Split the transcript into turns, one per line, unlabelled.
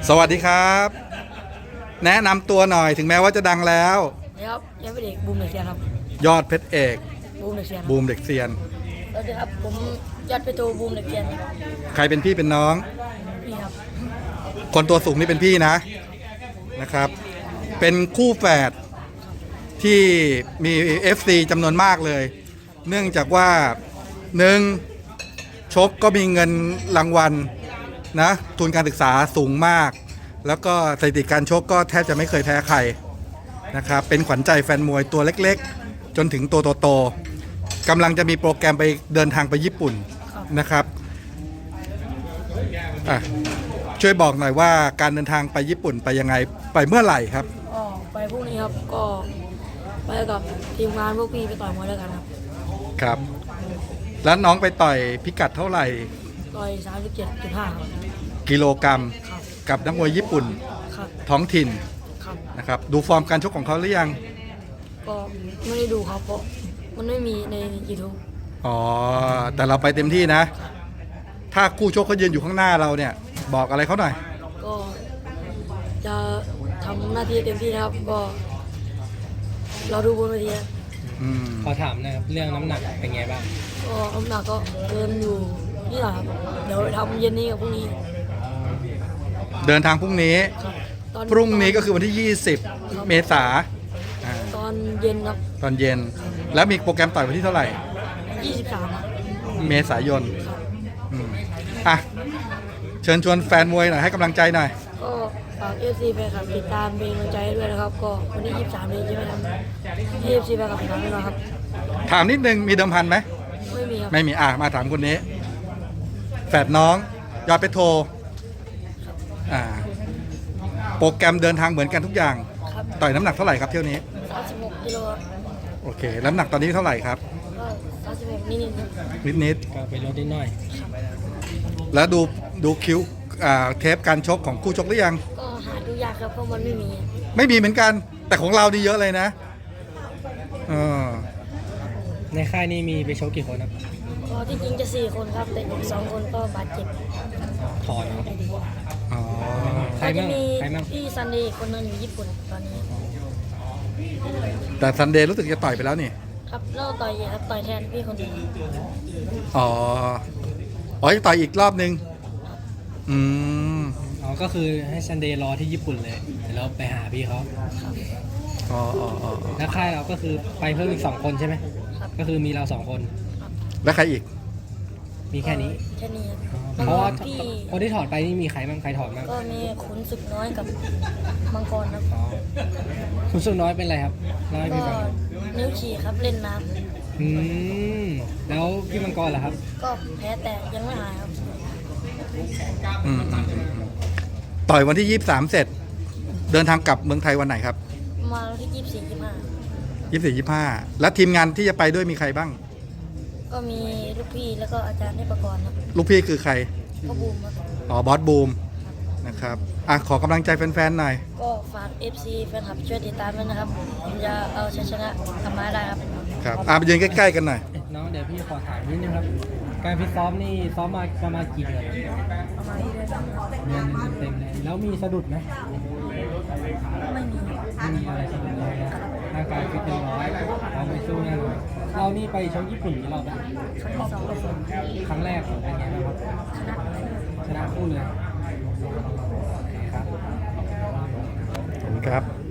สวัสดีครับ แนะนำตัวหน่อยถึงแม้ว่าจะดังแล้ว
ครับยอดเพชรเอกบูมเด็กเซียนครับ
ยอดเพชรเอก
บูมเด็กเซียน
บูมเด็กเซียน
สวัสดีครับผมยอดเพชรโทบูมเด็กเซียน
ใครเป็นพี่เป็นน้อง
พี่ครับ
คนตัวสูงนี่เป็นพี่นะครับ เป็นคู่แฝดที่มี FC จำนวนมากเลย เนื่องจากว่าหนึ่งชกก็มีเงินรางวัลนะทุนการศึกษาสูงมาก แล้วก็สถิติการชกก็แทบจะไม่เคยแพ้ใครนะครับเป็นขวัญใจแฟนมวยตัวเล็กๆจนถึงตัวโตๆกำลังจะมีโปรแกรมไปเดินทางไปญี่ปุ่นนะครับช่วยบอกหน่อยว่าการเดินทางไปญี่ปุ่นไปยังไงไปเมื่อไหร่ครับ
ไปพรุ่งนี้ครับก็ไปกับทีมงานพวกพี่ไปต่อยมวยด้วยกัน
ครับแล้วน้องไปต่อยพิกัดเท่าไหร่
ต่อย 37.5
กิโลกรัมกับนักมวยญี่ปุ่นท้องถิ่นนะครับดูฟอร์มการชกของเขาหรือยัง
ก็ไม่ได้ดูครับเพราะมันไม่มีใน YouTube
แต่เราไปเต็มที่นะถ้าคู่ชกเขายืนอยู่ข้างหน้าเราเนี่ยบอกอะไรเขาหน่อย
ก็จะทำหน้าที่เต็มที่นะครับก็เราดูบนเวที
ขอถามนะครับเรื่องน้ำหนักเป็นไงบ้าง
ก็น้ำหนักก็เกินอยู่นี่แหละครับเดี๋ยวทำเย็นนี้กับพรุ่งนี้
เดินทางพรุ่งนี้พรุ่งนี้ก็คือวันที่ 20 เมษายน
ตอนเย็นครับ
ตอนเย็นแล้วมีโปรแกรมต่อยวันที่เท่าไหร่
23
เมษายนเชิญชวนแฟนมวยหน่อยให้กำลังใจหน่อย
ก็ฝาก FC แฟนคลับติดตามเป็นกำลังใจด้วยนะครับก็วันที่23นี้ใช่ไหมครับ FC แฟนคลับติดตามด้วยนะครับ
ถามนิดนึงมีเดิมพันไหม
ไม่มีครับ
ไม่มีมาถามคนนี้แฝดน้องยอดเพชรโทโปรแกรมเดินทางเหมือนกันทุกอย่างต่อยน้ำหนักเท่าไหร่ครับเที่ยวนี้
36 กิโล
โอเคน้ำหนักตอนนี้เท่าไหร่ครับ
ก็36
นิด
ก็ไปลดนิดหน่อย
แล้วดูคิวเทปการชกของคู่ชกหรือยัง
ก็หาดูยากครับเพราะมัน
ไม่มีเหมือนกันแต่ของเราดีเยอะเลยนะ
ในค่ายนี้มีไปชกกี่คนครับ
ก็จริงๆจะ4 คนครับแต่อีก2 คนก็บาดเจ็บ
ถอน
ใครมีพี่ซันเดย์คนนึงอยู่ญี่ปุ่นตอนนี้
แต่ซันเดย์รู้สึกจะต่อยไปแล้วนี่
ครับเราต่อยครับต่อยแทนพี่คนนึง
จะต่อยอีกรอบนึง
ก็คือให้ซันเดย์รอที่ญี่ปุ่นเลยเดี๋ยวเราไปหาพี่เขาแล้วค่ายเราก็คือไปเพิ่มอีก2 คนใช่ไหมก็คือมีเรา2 คน
แล้วใครอีก
มีแค่นี้เพราะว่าคนที่ถอดไปนี่มีใครบ้างใครถอดบ้าง
ก็มีขุนศึกน้อยกับมังกรครับ
ขุนศึกน้อยเป็นไรครับ
ก็นิ้วฉี่ครับเล่นน้
ำแล้วพี่มังกรล่ะครับ
ก็แพ้แต่ยังไม่หายครับ
ต่อยวันที่23เสร็จเดินทางกลับเมืองไทยวันไหนครับ
มาวันที่
24-25แล้วทีมงานที่จะไปด้วยมีใครบ้าง
ก็มีลูกพี่แล้วก็อาจารย์ในประกรณ์ครับ
ลูกพี่คือใคร
ก็บูม
ครับบอสบูมนะครับขอกำลังใจแฟนๆหน่อย
ก็ฝาก FC แฟนคลับช่วยติดตามด้วยนะครับผมจะเอาชัยชนะกลับมาได้ครับ
ไปยืนใกล้ๆกันหน่อย
น้องเดี๋ยวพี่ขอถามนิดนึงครับการฟิตซ้อมนี่ซ้อมมาประมาณกี่เดือน
ประมาณเดือน
เต็มเลยแล้วมีสะดุดไหม
ไม่
มีอะไรสะดุดเลยร่างกายฟิตเต็มร้อยเราไปสู้แน่นอนเรานี่ไปชกญี่ปุ่นกี่รอบแล้วครั้งแรกเป็นไงบ้างครับชนะคู่เลย
ครับ